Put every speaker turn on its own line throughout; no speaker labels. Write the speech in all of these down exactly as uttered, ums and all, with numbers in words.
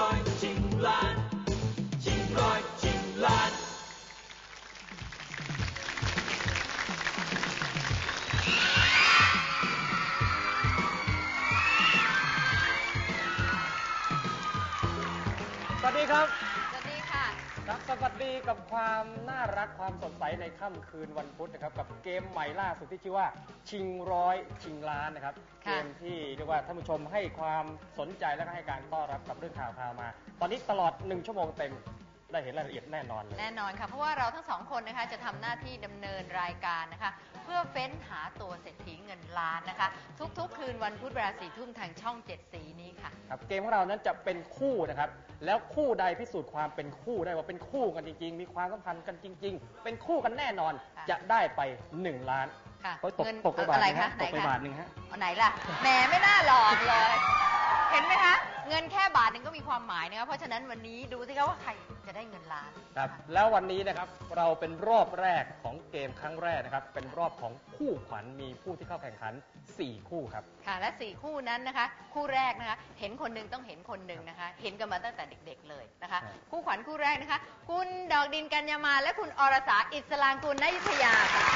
ร้อยชิงล้านชิงร้อยชิงล้าน
สวัสดีครับ
สวัสดีค่ะ
ครับสวัสดีกับความน่ารักความสดใสในค่ำคืนวันพุธนะครับกับเกมใหม่ล่าสุดที่ชื่อว่าชิงร้อยชิงล้านนะครับเกมที่เรียกว่าท่านผู้ชมให้ความสนใจและก็ให้การต้อนรับกับเรื่องข่าวข่าวมา ตอนนี้ตลอดหนึ่งชั่วโมงเต็มได้เห็นรายละเอียดแน่นอนเลย
แน่นอนค่ะเพราะว่าเราทั้งสองคนนะคะจะทำหน้าที่ดำเนินรายการนะคะเพื่อเฟ้นหาตัวเศรษฐีเงินล้านนะคะทุกๆคืนวันพุธเวลาสี่ทุ่มทางช่องเจ็ดสีนี้ค่ะ
ครับเกมของเรานั้นจะเป็นคู่นะครับแล้วคู่ใดพิสูจน์ความเป็นคู่ได้ว่าเป็นคู่กันจริงๆมีความสัมพันธ์กันจริงๆเป็นคู่กันแน่นอนจะได้ไปหนึ่งล้าน
ค่ะ
เงินตกไปบาทนึงฮะตกไปบาทนึงฮะ
เอาไหนล่ะแหมไม่น่าหลอกเลยเห็นไหมคะเงินแค่บาทนึงก็มีความหมายนะคะเพราะฉะนั้นวันนี้ดูสิคะว่าใครจะได้เงินล้าน
ครับแล้ววันนี้นะครับเราเป็นรอบแรกของเกมครั้งแรกนะครับเป็นรอบของคู่ขวัญมีผู้ที่เข้าแข่งขันสี่คู่ครับ
ค่ะและสี่คู่นั้นนะคะคู่แรกนะคะเห็นคนหนึ่งต้องเห็นคนหนึ่งนะคะเห็นกันมาตั้งแต่เด็กๆเลยนะคะคู่ขวัญคู่แรกนะคะคุณดอกดินกัญญามาและคุณอรสาอิสลางกุลณอยุธยาค่ะ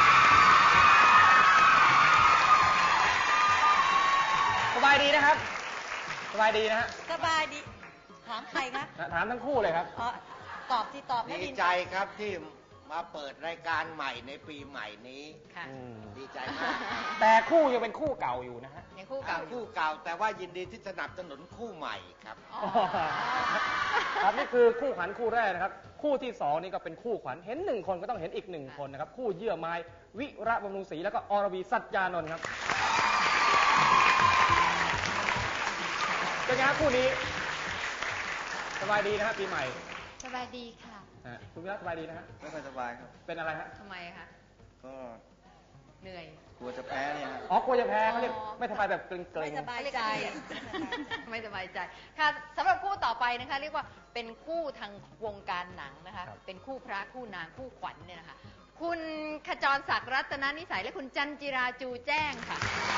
สบายดีนะครับสบายดีนะฮะ
สบายดีถามใครคะ
ถามทั้งคู่เลยครับ
อ๋อตอบที่ตอบ
ดีใจครับที่มาเปิดรายการใหม่ในปีใหม่นี้
ค่ะ
ดีใจมาก
แต่คู่ยังเป็นคู่เก่าอยู่นะฮะ
ยังคู่เก่า
คู่เก่าแต่ว่ายินดีที่สนับสนุนคู่ใหม่ครับ
ครับนี่คือคู่ขวัญคู่แรกนะครับคู่ที่สองนี่ก็เป็นคู่ขวัญเห็นหนึ่งคนก็ต้องเห็นอีกหนึ่งคนนะครับคู่เยื่อไม้วิระบำรุงศรีแล้วก็อรวีสัจจานนท์ครับเป็นไงครับคู่นี้สบายดีนะฮะปีใหม่
สบายดีค่ะ
คุณวิระสบายดีนะฮะ
ไม่ค่อยสบายครับ
เป็นอะไรฮะ
ทำไมคะ
ก็
เหนื่อย
กลัวจะแพ้เนี่ย
อ๋อกลัวจะแพ้เขาเรียกไม่สบายแบบเกรงๆ
ไม่สบายใจ
ไม่สบายใจค่ะสำหรับคู่ต่อไปนะคะเรียกว่าเป็นคู่ทางวงการหนังนะคะเป็นคู่พระคู่นางคู่ขวัญเนี่ยนะคะคุณขจรศักดิ์รัตนนิสัยและคุณจันจิราจูแจ้งค่ะ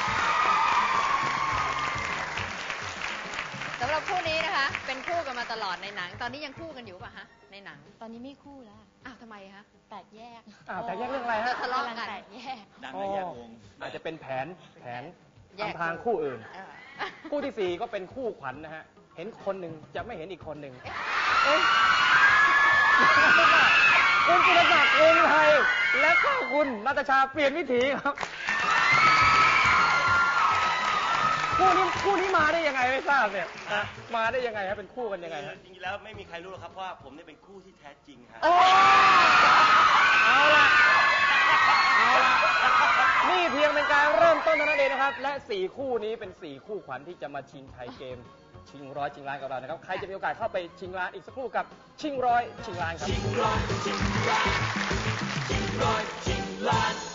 สำหรับคู่นี้นะคะเป็นคู่กันมาตลอดในหนังตอนนี้ยังคู่กันอยู่ป่ะฮะในหนัง
ตอนนี้ไม่คู่แล้ว
อ้าวทำไมคะ
แตกแยก
อ้าวแตกแยกเรื่องอะไรฮะ
ทะเลาะกัน
แตกแยก
ดังแยกวง
อาจจะเป็นแผนแผนทางทางคู่อื่นคู่ที่สี่ก็เป็นคู่ขวัญนะฮะเห็นคนหนึ่งจะไม่เห็นอีกคนหนึ่งคุณจิรศักดิ์วงศ์ไทยและก็คุณนาตาชาเปลี่ยนวิถีครับคู่นี้คู่นี้มาได้ยังไงไม่ทราบเนี่ยมาได้ยังไงครับเป็นคู่กันยังไงฮะ
จริงๆแล้วไม่มีใครรู้หรอกครับเพราะว่าผมเนี่ยเป็นคู่ที่แท้จริงครับ
เอาละเอาละนี่เพียงเป็นการเริ่มต้นเท่านั้นเองนะครับและสี่คู่นี้เป็นสี่คู่ขวัญที่จะมาชิงชัยเกมชิงร้อยชิงล้านกับเรานะครับใครจะมีโอกาสเข้าไปชิงล้านอีกสักครู่กับชิงร้อยชิงล้านครับ
ชิงร้อยชิงล้านชิงร้อยชิงล้าน